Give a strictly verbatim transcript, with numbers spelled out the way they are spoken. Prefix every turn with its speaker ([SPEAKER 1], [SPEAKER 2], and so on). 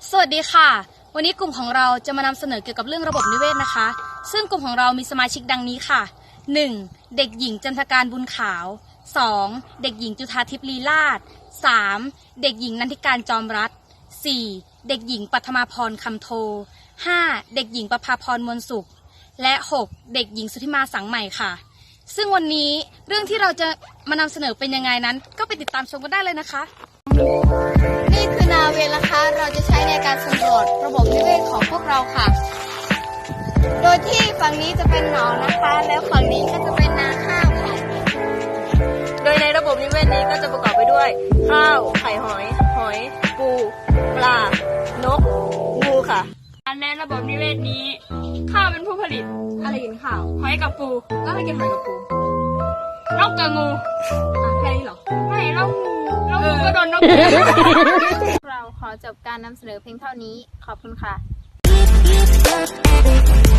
[SPEAKER 1] สวัสดีค่ะวันนี้กลุ่มของเราจะมานำเสนอเกี่ยวกับเรื่องระบบนิเวศนะคะซึ่งกลุ่มของเรามีสมาชิกดังนี้ค่ะ หนึ่ง. เด็กหญิงจันทการบุญขาว สอง. เด็กหญิงจุฑาทิพย์ลีลาศ สาม. เด็กหญิงนันทิการจอมรัตน์ สี่. เด็กหญิงปัทมาพรคำโท ห้า. เด็กหญิงประภาพรมวลสุขและ หก. เด็กหญิงสุธิมาสังใหม่ค่ะซึ่งวันนี้เรื่องที่เราจะมานำเสนอเป็นยังไงนั้นก็ไปติดตามชมกันได้เลยนะคะ
[SPEAKER 2] นี่คือนาเวลนะคะเราจะใช้ในการสำรวจระบบนิเวศของพวกเราค่ะโดยที่ฝั่งนี้จะเป็นหนองนะคะแล้วฝั่งนี้ก็จะเป็นนาข้าวค่ะ
[SPEAKER 3] โดยในระบบนิเวศนี้ก็จะประกอบไปด้วยข้าวไข่หอยหอยปูปลานกงูค่ะ
[SPEAKER 4] ในระบบนิเวศนี้ข้าวเป็นผู้ผลิตอะไรกินข้าวหอยกับปูแล้วให้กินหอยกับปูนกกับงูอ่ะแค่นี้หรอไม่แล้วงูแล้วงูก็โดนนก
[SPEAKER 2] เราขอจบการนำเสนอเพียงเท่านี้ขอบคุณค่ะ